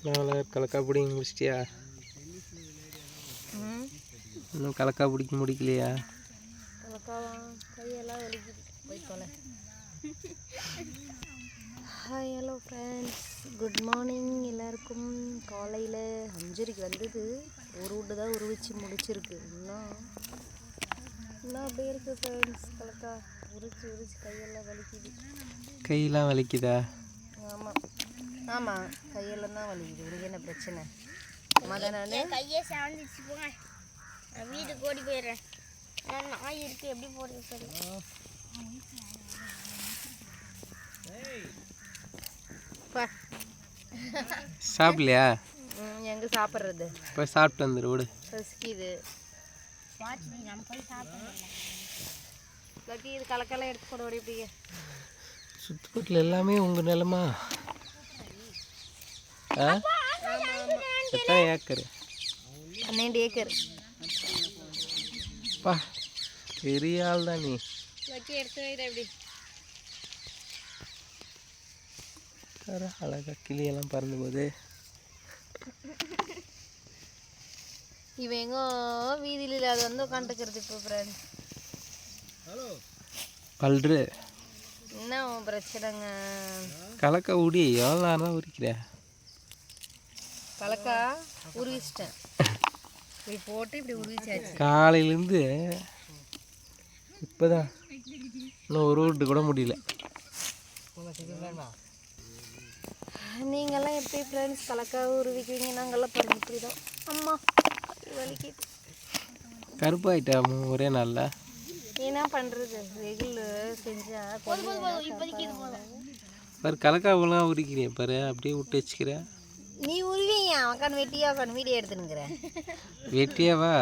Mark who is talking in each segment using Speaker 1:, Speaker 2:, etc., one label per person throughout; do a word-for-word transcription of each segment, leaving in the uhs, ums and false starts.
Speaker 1: நாளை கலக்கா பிடிங்க முடிச்சிட்டியா? இன்னும் கலக்கா பிடிக்க முடிக்கலையா?
Speaker 2: கையெல்லாம் வலிக்குது போய் தொலை. Hi hello friends, good morning எல்லாருக்கும். காலையில் அஞ்சரைக்கு வந்தது, ஒரு வீட்டு தான் உருவிச்சு முடிச்சிருக்கு. இன்னும் இன்னும் அப்படியே இருக்குது ஃப்ரெண்ட்ஸ். கலக்கா உரிச்சு உரிச்சு கையெல்லாம் வலிக்குது.
Speaker 1: கையெல்லாம் வலிக்குதா?
Speaker 2: ஆமாம் ஆமாம், கையெல்லாம் தான் வலிக்குது. உனக்கு என்ன பிரச்சனை? மதனால
Speaker 3: கையே சாந்துச்சு போங்க, நான் வீட்டுக்கு ஓடி போயிடுறேன். நான் நாய் இருக்கு, எப்படி போடுறது? சரி
Speaker 1: சாப்பிடலையா?
Speaker 2: எங்கே சாப்பிட்றது?
Speaker 1: போய் சாப்பிட்டு வந்துடு விடு.
Speaker 2: பசிக்குது.
Speaker 3: நம்ம போய் சாப்பிடலாம்.
Speaker 2: இல்லாட்டி இது கலக்கெல்லாம் எடுத்து போட ஓடி இப்படியே.
Speaker 1: சுற்றுப்பட்டில் எல்லாமே உங்கள் நிலமா? ஆ எத்தனை ஏக்கர்?
Speaker 2: பன்னெண்டு ஏக்கர்.
Speaker 1: பா பெரிய ஆள் தான் நீ.
Speaker 2: வச்சு எடுத்து வைட எப்படி?
Speaker 1: அழகா கிளியெல்லாம் பறந்து போகுது.
Speaker 2: இவன் எங்கோ வீதியில் இல்லாத வந்து உட்காந்துக்கிறது. இப்போ ஃப்ரெண்ட்ஸ்
Speaker 1: பல்று
Speaker 2: என்ன பிரச்சனைங்க?
Speaker 1: கலக்கா உடி எவ்வளோ நேரம் உரிக்கிற?
Speaker 2: கலக்கா உருவிச்சிட்டேன். இப்படி போட்டு இப்படி உருவிச்சாச்சு
Speaker 1: காலையிலேருந்து. இப்போதான் இன்னும் ஒரு வீட்டு கூட முடியல.
Speaker 2: நீங்கள்லாம் எப்படி ஃப்ரெண்ட்ஸ் கலக்கா உருவிக்குவீங்க? நாங்கள்லாம் பாருங்க இப்படி தான். அம்மா வலிக்குது.
Speaker 1: கருப்பாயிட்டா ஒரே நாளில்.
Speaker 2: என்ன பண்ணுறது? வெயில் செஞ்சால்
Speaker 3: இப்போதைக்கு இது போதும்.
Speaker 1: பாரு கலக்கா ஒழுங்காக உரிக்கிறேன் பாரு, அப்படியே விட்டு வச்சுக்கிற.
Speaker 2: நீ உருவிங்க, உட்காந்து வெட்டியா உட்காந்து வீடியோ எடுத்துனுங்கிறேன்.
Speaker 1: வெட்டியாவா?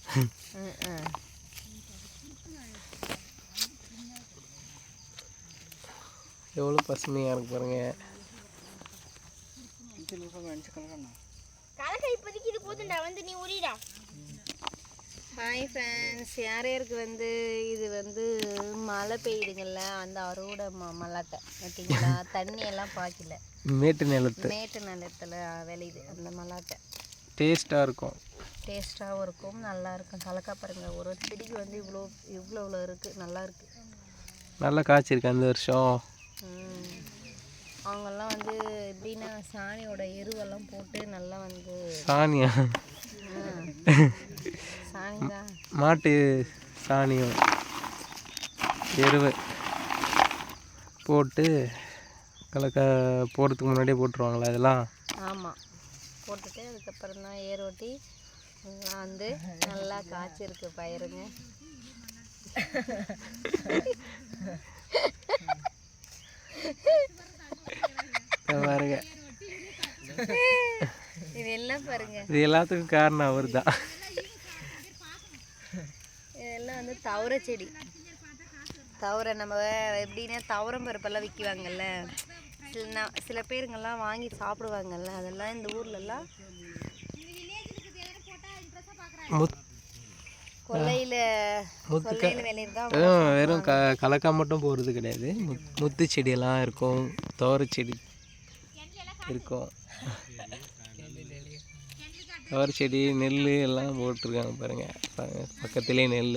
Speaker 1: எவ்வளோ பசுமையாக இருக்கு பாருங்க.
Speaker 3: கலக்கா இப்போதைக்கு இது போதும்டா, வந்து நீ உரிடா.
Speaker 2: ஹாய் ஃப்ரெண்ட்ஸ், யார் யாருக்கு வந்து இது வந்து மழை பெய்யுதுங்கள்ல, அந்த அறுவடை ம மல்லாட்டை ஓகேங்களா? தண்ணி எல்லாம் பாய்க்கல,
Speaker 1: மேட்டு நிலத்து
Speaker 2: மேட்டு நிலத்தில் விளையுது அந்த மல்லாட்டை.
Speaker 1: டேஸ்ட்டாக இருக்கும்,
Speaker 2: டேஸ்ட்டாகவும் இருக்கும், நல்லா இருக்கும். கலக்கா பாருங்கள், ஒரு செடிக்கு வந்து இவ்வளோ இவ்வளோ இவ்வளோ இருக்குது, நல்லா இருக்குது.
Speaker 1: நல்லா காய்ச்சிருக்கு அந்த வருஷம்.
Speaker 2: அவங்கெல்லாம் வந்து எப்படின்னா சாணியோட எருவெல்லாம் போட்டு நல்லா வந்து.
Speaker 1: சாணியா?
Speaker 2: சாணி தான்,
Speaker 1: மாட்டு சாணியம் எருவு போட்டு கலக்கா போடுறதுக்கு முன்னாடியே போட்டுருவாங்களா அதெல்லாம்?
Speaker 2: ஆமாம், போட்டுட்டு அதுக்கப்புறம் தான் ஏர் ஓட்டி வந்து நல்லா காய்ச்சிருக்கு பயிருங்க.
Speaker 1: பாருங்க,
Speaker 2: இதெல்லாம் பாருங்க,
Speaker 1: இது எல்லாத்துக்கும் காரணம் அவர் தான்.
Speaker 2: இதெல்லாம் வந்து தவரை செடி. தவரை நம்ம எப்படின்னா தவரம் பருப்பெல்லாம் விற்கிவாங்கல்ல, சில ந- சில பேருங்கெல்லாம் வாங்கி சாப்பிடுவாங்கல்ல, அதெல்லாம் இந்த ஊர்லெல்லாம் கொல்லையில் கொல்லையில் விளையிறது தான்.
Speaker 1: வெறும் க கலக்கா மட்டும் போடுறது கிடையாது, முத் முத்து செடியெல்லாம் இருக்கும், தோரை செடி இருக்கும், தோரை செடி நெல் எல்லாம் போட்டிருக்காங்க பாருங்க. பக்கத்துலேயே நெல்.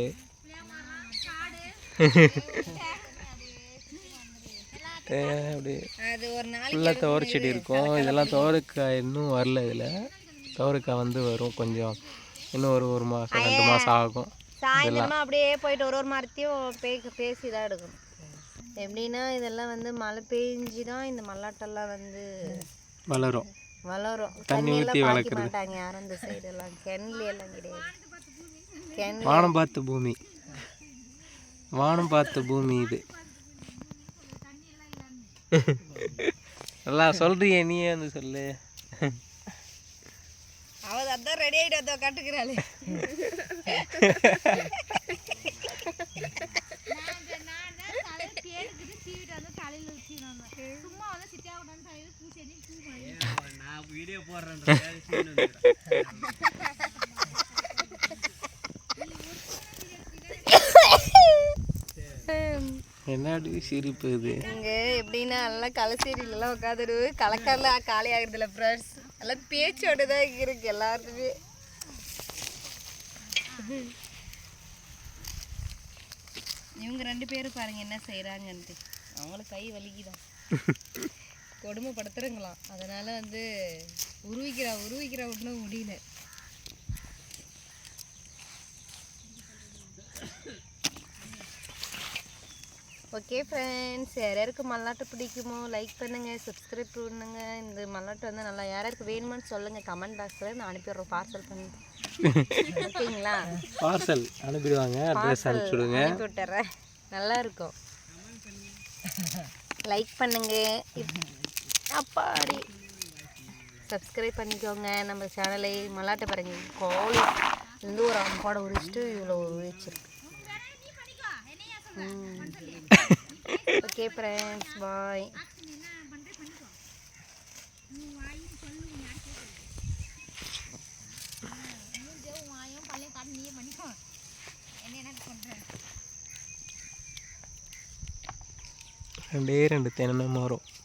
Speaker 1: அப்படி
Speaker 2: அது ஒரு நாளைக்கு
Speaker 1: ஃபுல்லாக துவரை செடி இருக்கும். இதெல்லாம் துவரைக்காய் இன்னும் வரல. இதில் துவரைக்காய் வந்து வரும் கொஞ்சம், இன்னும் ஒரு ஒரு மாதம் ரெண்டு மாதம் ஆகும்.
Speaker 2: சாயந்தரமாக அப்படியே போயிட்டு ஒரு ஒரு மரத்தையும் பே பேசி தான் எடுக்கணும். எப்படின்னா இதெல்லாம் வந்து மழை பெஞ்சு தான் இந்த மல்லாட்டெல்லாம் வந்து
Speaker 1: வளரும்,
Speaker 2: வளரும்.
Speaker 1: தண்ணி ஊற்றி வளர்க்குறது
Speaker 2: மாட்டாங்க யாரும் இந்த சைடெல்லாம், கிணறு எல்லாம் கிடையாது. கிணறு
Speaker 1: வானம் பார்த்த பூமி, வானம் பார்த்த பூமி இது. நல்லா சொல்றியே, நீயே வந்து சொல்லு.
Speaker 2: அவள் அதான் ரெடி ஆகிட்டு அதோ கட்டுக்கிறாளே.
Speaker 1: என்னடி சிரிப்பு இது?
Speaker 2: இங்கே எப்படின்னா எல்லாம் கலசேரியிலலாம் உட்காந்துடு கலக்கரில் காலி ஆகுறதில்ல ஃப்ரெண்ட்ஸ். எல்லாம் பேச்சோடு தான் இருக்கு எல்லாருக்குமே. இவங்க ரெண்டு பேரும் பாருங்க என்ன செய்கிறாங்கன்ட்டு. அவங்களுக்கு கை வலிக்குதான், கொடுமைப்படுத்துறங்களாம். அதனால வந்து உருவிக்கிறா உருவிக்கிறா ஒன்றும் முடியல. ஓகே ஃப்ரெண்ட்ஸ், யார் யாருக்கு மல்லாட்டை பிடிக்குமோ லைக் பண்ணுங்கள், சப்ஸ்கிரைப் பண்ணுங்கள். இந்த மல்லாட்டை வந்து நல்லா யார் யாருக்கு வேணுமான்னு சொல்லுங்கள் கமெண்ட் பாக்ஸில். நான் அனுப்பிடுறோம் பார்சல் பண்ணி. ஓகேங்களா?
Speaker 1: பார்சல் அனுப்பிடுவாங்க, அட்ரஸ் அனுப்பிச்சுடுங்க,
Speaker 2: அனுப்பி விட்டுறேன். நல்லா இருக்கும். லைக் பண்ணுங்க, அப்பாடி சப்ஸ்கிரைப் பண்ணிக்கோங்க நம்ம சேனலை. மல்லாட்டை பாருங்க, கோழி இருந்து ஒரு அம்பாடை உரிச்சிட்டு இவ்வளோ உரிச்சிருக்கு. ஓகே ஃப்ரெண்ட்ஸ், பாய்.
Speaker 1: ரெண்டே ரெண்டு தென்னை மரம்.